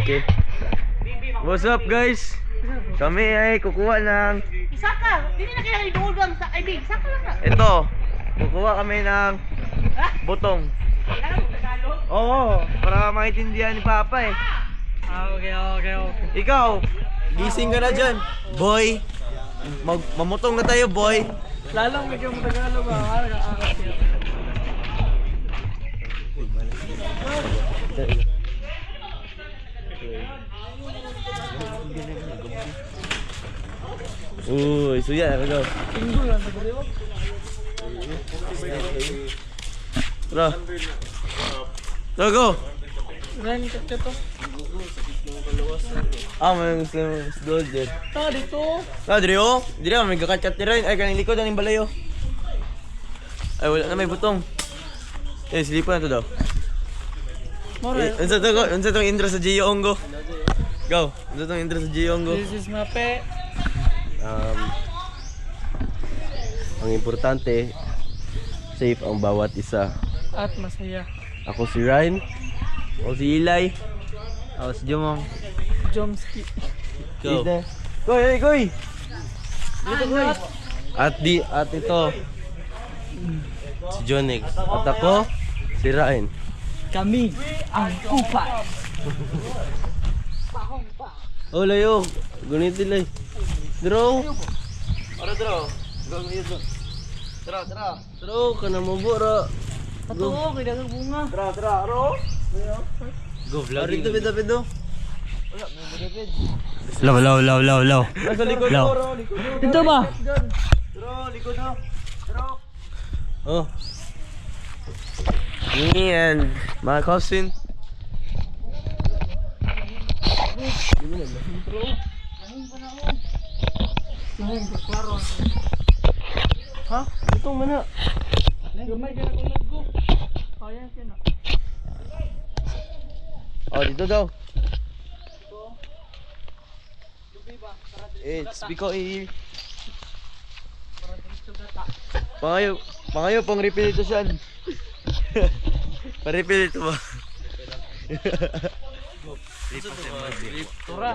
Okay. What's up guys? Kami ay kukuha ng Isa ka! Hindi na kailangan inuulang sa ibig. Isa ka lang na. ito. Kukuha kami ng butong. Kailangan mo Tagalog? Oo, para maintindihan ni Papa eh. Okay. Ikaw, gising ka na dyan. Boy, mamutong na tayo boy. Lalong medyo mo Tagalog ba? Uy, suya na go. Tinggo lang sa gulyo. Tara. Tara go. Ren, kaya to. May Muslim gold din. Ta, dito. Diri oh. Diri may kakat-kat rin. Ay kaning likod aning balayo. Ay wala na may butong. Silipan na to daw. More. Unsa tong intro sa Gio Ongo? Go. Unsa tong intro sa Gio Ongo? This is Mape. Ang importante, safe ang bawat isa. At masaya. Ako si Ryan. Ako si Eli. Ako si Jomong. Jomski. Go. Koy! Dito koy. At ito si Jonix. At ako si Ryan. Kami ang kupat. Oh layo. Gunit nila. Draw. Ara draw. Go dito. Tara. Draw kana mo bora. Patuo, kaya dagang bunga. Tara, aro. Go vlog. Dito bido. Law. Nasa likod mo, ro, likod mo. Dito ba? Ro, likod mo. Ro. Oh. Me and my cousin. Ha? Ito mana. Gamay ka na kung nag-go. Kaya ka na. Oh, dito daw. It's because Pangayo pang refill ito siya. Pa-refill ito ba? Tura.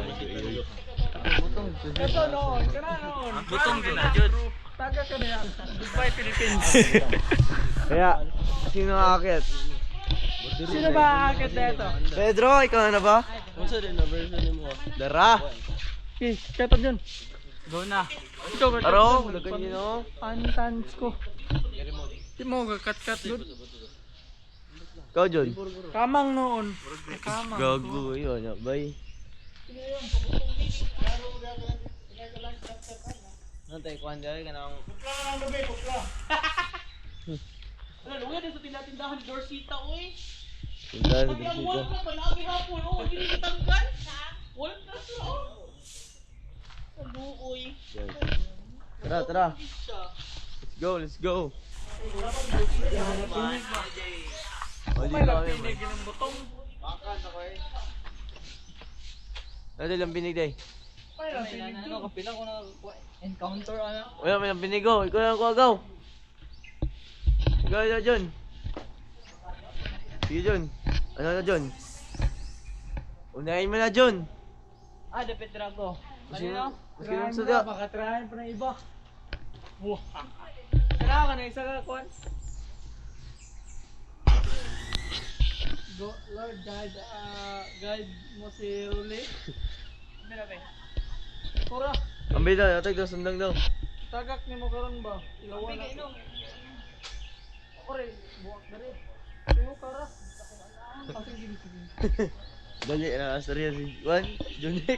Ito noon. Butong din na dyan. Taga ka na yan. Goodbye Philippines. Kaya, sino aakit? Sino ba aakit na ito? Pedro, ikaw na ba? Kung sa rin na version mo? Dara! Okay, kaya dyan. Go na. Ito ba? Aro, lagan nyo no? Pantans ko. Di mo kat doon. Ikaw John? Kamang noon. Kamang. Gago, yun, bay. Nantay, kuhan dyan ka nang... Ano, luwi din sa tindahan ni Dorsita, oy. Tindahan sa Pati ang Dorsita. wall na panabi hapon, oh. Hindi natanggal. Wall na siya, oh. Ano, oy. Tara. Let's go. May lapinig ng butong. Ano lang binig day? May lapinig doon. Kapilang ko na encounter, ano. Wala, may lang binig go. Ikaw lang ko agaw. Ikaw na John. Sige John. Ano na John? Unahin mo na John. Depende ako. Sino? Try Sino mo sa na, baka try pa ng iba. Tara ka na, isa ka, Kwan. Go, Lord, guide mo si Ruli. Mira ba? Tura, Ang bida, atag daw, sundang daw. tagak ni mo karon ba? Ilawan na. Ako rin, buwak na rin. Sino kara? Sige. Dali na, asarya si Juan, Junix.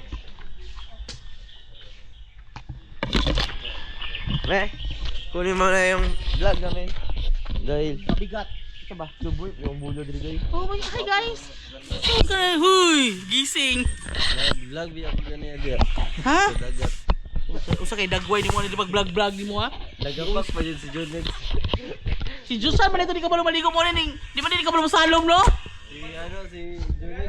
Kunin mo na yung vlog namin. Dahil Mabigat. Ito ba? suboy, yung bulo dito guys. Oh my God, guys! Okay, huy! Gising! Vlog, biya ko ganyan agad. Ha? Dagat. Usa kay dagway ni mo na mag-vlog ni mo ha? Nagapak pa yun si Junix. Si Jusan man ito di ka ba maligo mo rin di ba di ka ba masalom no? Si Junix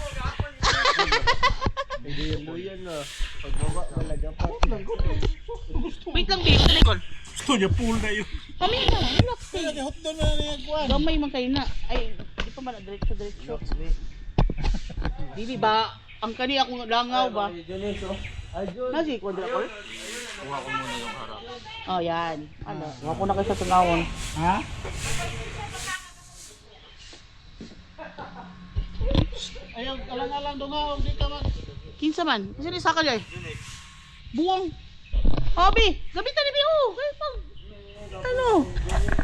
Hindi yung luyan na. Pagbaba, malagapak. Wait lang babe, talikol. Gusto niya pool na yun. Kami na, relax eh. Hot doon na nagkuhan. Gamay man kayo na. Ay, di pa man, diretso. Bibi ba? ang kani akong langaw ba? Ay, Jones, oh. Ay, Jones. Nasi quadruple? Kuha ko muna yung harap. Oh, yan. Ano? Nga po na kayo sa tunawon. Ha? Ayaw, alang-alang doon nga, di ka man. Kinsa man? Kasi ni sakal ay. Buwang. Obi, gamitan ni Biho. Kaya pag ano?